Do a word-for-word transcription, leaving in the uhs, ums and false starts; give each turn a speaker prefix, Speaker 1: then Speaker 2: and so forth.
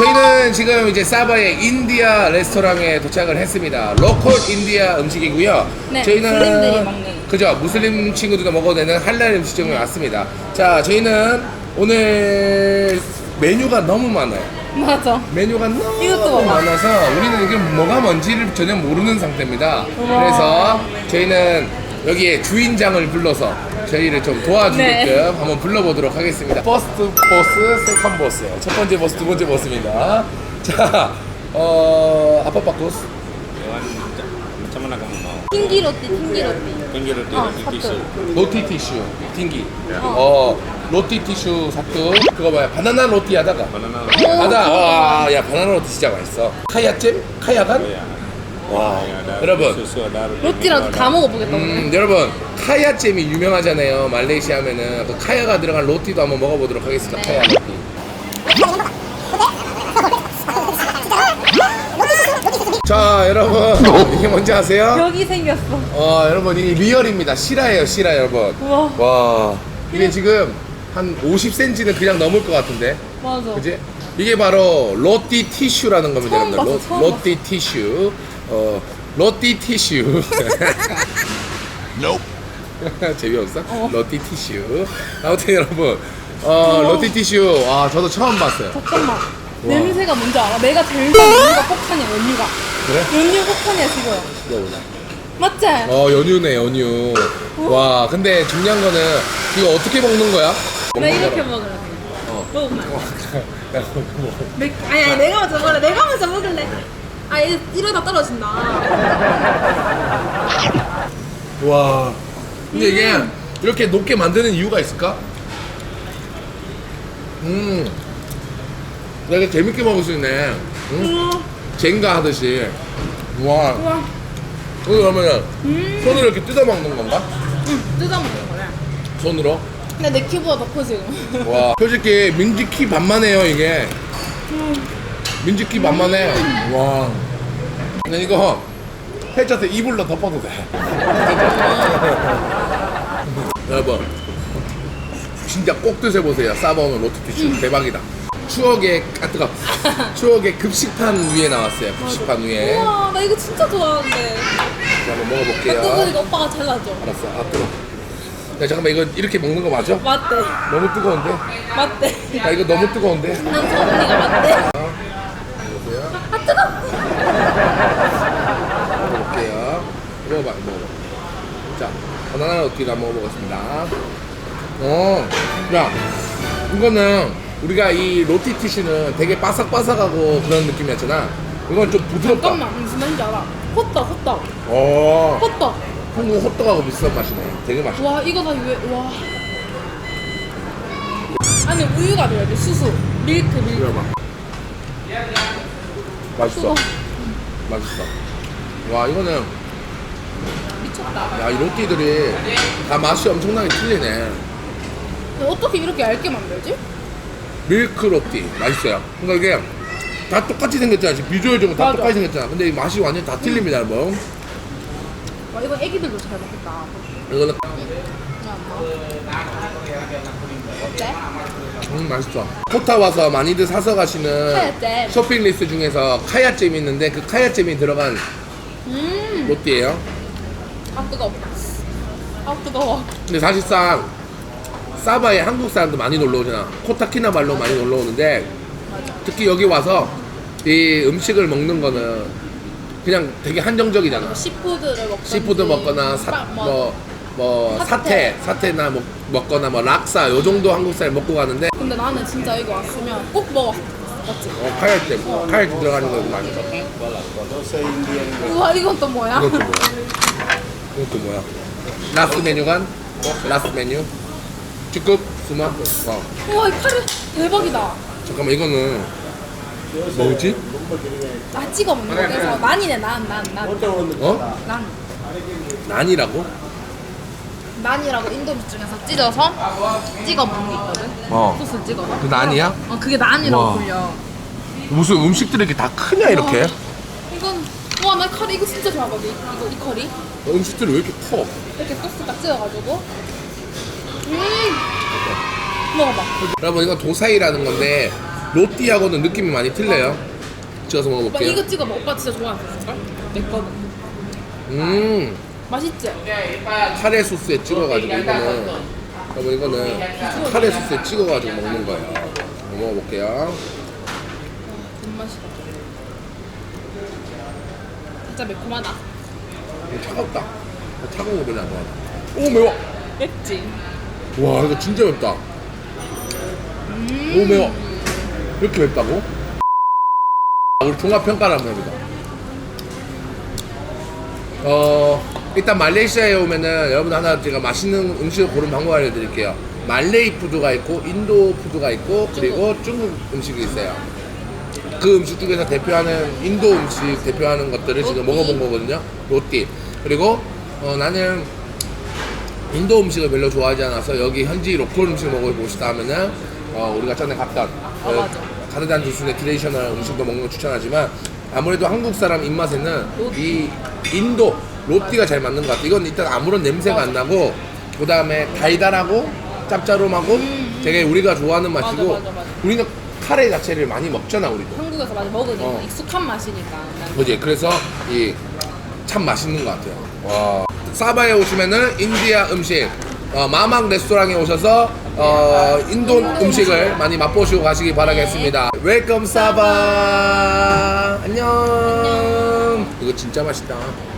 Speaker 1: 저희는 지금 이제 사바의 인디아 레스토랑에 도착을 했습니다. 로컬 인디아 음식이고요.
Speaker 2: 네,
Speaker 1: 저희는
Speaker 2: 무슬림들이 먹는.
Speaker 1: 그죠? 무슬림 친구들도 먹어도 되는 할랄 음식점에 왔습니다. 자, 저희는 오늘 메뉴가 너무 많아요.
Speaker 2: 맞아.
Speaker 1: 메뉴가 너무
Speaker 2: 이것도 봐봐.
Speaker 1: 많아서 우리는 이게 뭐가 뭔지를 전혀 모르는 상태입니다. 그래서 저희는 여기에 주인장을 불러서 저희를 좀 도와주게끔
Speaker 2: 네.
Speaker 1: 한번 불러보도록 하겠습니다. 퍼스트 보스, 세컨 보스. 첫 번째 보스, 두 번째 보스입니다. 자, 어, apa bagus?
Speaker 3: Hewan macam mana kamu mau?
Speaker 2: tinggi roti, tinggi roti.
Speaker 3: Tinggi roti,
Speaker 2: 어,
Speaker 3: roti tisu.
Speaker 1: 로티 티슈, tinggi. 어, 로티 티슈 사투. 그거 봐요. 바나나 로티 하다가.
Speaker 3: Banana
Speaker 1: 바다, 와, 야, 바나나 로티 진짜 맛있어. 카야잼? 카야간?
Speaker 3: ya.
Speaker 1: 와,
Speaker 3: Ada
Speaker 1: 여러분.
Speaker 3: susu, ada roti
Speaker 2: 로티라도
Speaker 3: milo,
Speaker 2: 다 먹어보겠다. 오늘.
Speaker 1: 음, 여러분 카야잼이 유명하잖아요. 말레이시아 하면은 그 카야가 들어간 로티도 한번 먹어보도록 하겠습니다.
Speaker 2: 네.
Speaker 1: 카야 로티. 자, 여러분 이게 뭔지 아세요?
Speaker 2: 여기 생겼어.
Speaker 1: 어, 여러분 이게 리얼입니다. 실화예요, 실화 여러분.
Speaker 2: 우와.
Speaker 1: 와, 이게 지금 한 오십 센티미터는 그냥 넘을 것 같은데,
Speaker 2: 맞아.
Speaker 1: 그지? 이게 바로 로티 티슈라는 겁니다,
Speaker 2: 처음
Speaker 1: 여러분들.
Speaker 2: 봤어, 처음
Speaker 1: 로티 티슈. 어, 로티 티슈. 재미없어?
Speaker 2: 어.
Speaker 1: 로티 티슈. 아무튼 여러분, 어, 로티 티슈. 아, 저도 처음 봤어요.
Speaker 2: 잠깐만. 냄새가 뭔지 알아? 내가 제일 좋아하는 연유가 폭탄이야, 연유가.
Speaker 1: 그래?
Speaker 2: 연유 폭탄이야, 지금.
Speaker 1: 먹어보자.
Speaker 2: 맞지?
Speaker 1: 어, 연유네, 연유. 와, 근데 중요한 거는 이거 어떻게 먹는 거야?
Speaker 2: 나
Speaker 1: 먹는
Speaker 2: 이렇게
Speaker 1: 거라.
Speaker 2: 먹으래.
Speaker 1: 어.
Speaker 2: 먹어봐.
Speaker 1: 내가 먹어.
Speaker 2: 맥- 아니, 아니, 내가 먼저 먹을래. 내가 먼저 먹을래. 아, 이- 이러다 떨어진다.
Speaker 1: 와. 근데 이게 이렇게 높게 만드는 이유가 있을까? 음. 되게 재밌게 먹을 수 있네. 응?
Speaker 2: 우와.
Speaker 1: 젠가 하듯이. 와.
Speaker 2: 우와.
Speaker 1: 이거 그러면은
Speaker 2: 음.
Speaker 1: 손으로 이렇게 뜯어 먹는 건가?
Speaker 2: 응, 뜯어먹는 거래.
Speaker 1: 손으로?
Speaker 2: 근데 내 키보다 더 커, 지금.
Speaker 1: 와. 솔직히 민지 키 반만 해요, 이게. 민지 키 반만 해. 와. 근데 이거 해쳐서 이불로 덮어도 돼. 여러분, 진짜 꼭 드셔보세요. 싸바오는 로티티슈 대박이다. 추억의, 아, 뜨거. 추억의 급식판 위에 나왔어요. 급식판 위에. 자,
Speaker 2: 우와, 나 이거 진짜 좋아하는데.
Speaker 1: 한번 먹어볼게요.
Speaker 2: 뜨거우니까 오빠가 잘라줘.
Speaker 1: 알았어. 아, 뜨거. 야, 잠깐만, 이거 이렇게 먹는 거 맞아?
Speaker 2: 맞대.
Speaker 1: 너무 뜨거운데?
Speaker 2: 맞대.
Speaker 1: 야, 이거 너무 뜨거운데?
Speaker 2: 난 저 언니가 맞대.
Speaker 1: 보세요.
Speaker 2: 아, 뜨거!
Speaker 1: 먹어볼게요. 먹어봐, 먹어봐. 자, 바나나 로티를 한번 먹어보겠습니다. 어, 야, 이거는 우리가 이 로티 티슈는 되게 바삭바삭하고 그런 느낌이었잖아. 이건 좀 부드럽다.
Speaker 2: 잠깐만, 무슨 말인지 알아? 호떡, 호떡.
Speaker 1: 어,
Speaker 2: 호떡.
Speaker 1: 한국 호떡하고 비슷한 맛이네. 되게 맛있어.
Speaker 2: 와, 이거 다 왜, 와. 안에 우유가 들어있대, 수수. 밀크, 밀크.
Speaker 1: 들어봐. 맛있어.
Speaker 2: 뜨거.
Speaker 1: 맛있어. 와, 이거는,
Speaker 2: 미쳤다.
Speaker 1: 야, 이 로티들이 다 맛이 엄청나게 틀리네.
Speaker 2: 근데 어떻게 이렇게 얇게 만들지?
Speaker 1: 밀크 로티. 맛있어요. 그러니까 이게 다 똑같이 생겼잖아. 지금 비주얼적으로 다
Speaker 2: 맞아.
Speaker 1: 똑같이 생겼잖아. 근데 이 맛이 완전 다 틀립니다, 여러분.
Speaker 2: 와, 이거 애기들도 잘 먹겠다.
Speaker 1: 이거는,
Speaker 2: 그냥 뭐. 어때?
Speaker 1: 음, 맛있어. 코타 와서 많이들 사서 가시는
Speaker 2: 카야잼.
Speaker 1: 쇼핑 리스트 중에서 카야잼이 있는데 그 카야잼이 들어간
Speaker 2: 음.
Speaker 1: 로티예요.
Speaker 2: 아, 뜨거워. 아, 뜨거워.
Speaker 1: 근데 사실상 사바에 한국 사람도 많이 놀러 오잖아. 코타키나발루 많이 놀러 오는데 특히 여기 와서 이 음식을 먹는 거는 그냥 되게 한정적이잖아.
Speaker 2: 시푸드를 먹거나.
Speaker 1: 시푸드 먹거나 사, 뭐, 뭐 사태,
Speaker 2: 사태.
Speaker 1: 사태나 먹, 먹거나 뭐 락사 요 정도 한국 사람이 먹고 가는데
Speaker 2: 근데 나는 진짜 이거 왔으면 꼭 먹어. 맞지?
Speaker 1: 어, 카야잼, 카야잼 들어가는 거 맛있어.
Speaker 2: 우와, 이건 또 뭐야?
Speaker 1: 이것도 뭐야? 이것도 뭐야? 라스트 메뉴간? 라스트 메뉴? 주급? 수마? 어.
Speaker 2: 우와, 이 카레 대박이다.
Speaker 1: 잠깐만, 이거는 뭐지?
Speaker 2: 나 찍어 먹는 거. 그래서 난이네, 난, 난, 난.
Speaker 1: 어?
Speaker 2: 난.
Speaker 1: 난이라고?
Speaker 2: 난이라고 인도 음식 중에서 찢어서 찍어 먹는 게 있거든.
Speaker 1: 어.
Speaker 2: 소스 찍어서.
Speaker 1: 그 난이야?
Speaker 2: 어, 그게 난이라고
Speaker 1: 와.
Speaker 2: 불려.
Speaker 1: 무슨 음식들이 이렇게 다 크냐, 이렇게?
Speaker 2: 와, 이건 와, 나 카레 이거 진짜 좋아하거든. 이거 이 커리.
Speaker 1: 음식들이 왜 이렇게 커?
Speaker 2: 이렇게 소스 딱 찍어가지고. 음. 먹어봐.
Speaker 1: 여러분, 이건 도사이라는 건데 로띠하고는 느낌이 많이 틀려요. 찍어서
Speaker 2: 오빠
Speaker 1: 먹어볼게요.
Speaker 2: 이거 찍어봐. 오빠 진짜 좋아하는 내 거.
Speaker 1: 음,
Speaker 2: 맛있지?
Speaker 1: 카레 소스에 찍어가지고 이거는 여러분 이거는 카레 소스에 찍어가지고 먹는 거예요. 한번 먹어볼게요.
Speaker 2: 존맛이다. 진짜 매콤하다.
Speaker 1: 음, 차갑다. 어, 차가운 거 별로 안 좋아하다. 오 매워.
Speaker 2: 맵지?
Speaker 1: 와 이거 진짜 맵다. 너무 매워. 이렇게 맵다고? 우리 종합 평가를 한번 해보자. 어 일단 말레이시아에 오면은 여러분 하나 제가 맛있는 음식을 고른 방법 알려드릴게요. 말레이 푸드가 있고 인도 푸드가 있고 그리고 중국 음식이 있어요. 그 음식 중에서 대표하는 인도 음식 대표하는 것들을 지금
Speaker 2: 로띠.
Speaker 1: 먹어본 거거든요. 로띠. 그리고 어, 나는 인도 음식을 별로 좋아하지 않아서 여기 현지 로컬 음식 먹어보고 싶다 하면은 어, 우리가 전에 갔던 그
Speaker 2: 맞아.
Speaker 1: 가르단 주순의 트레디셔널 음식도 먹는 걸 추천하지만 아무래도 한국 사람 입맛에는 이 인도 로띠가 잘 맞는 것 같아. 이건 일단 아무런 냄새가 안 나고 그 다음에 달달하고 짭짤하고 되게 우리가 좋아하는 맛이고
Speaker 2: 맞아, 맞아, 맞아.
Speaker 1: 우리는 카레 자체를 많이 먹잖아 우리도.
Speaker 2: 한국에서 많이 먹으니까
Speaker 1: 어.
Speaker 2: 익숙한 맛이니까.
Speaker 1: 그지? 그래서 이 참 맛있는 것 같아요. 와. 사바에 오시면은 인디아 음식, 어, 마막 레스토랑에 오셔서 어, 인도 음식을 많이 맛보시고 가시기 바라겠습니다. 웰컴 사바. 안녕. 이거 진짜 맛있다.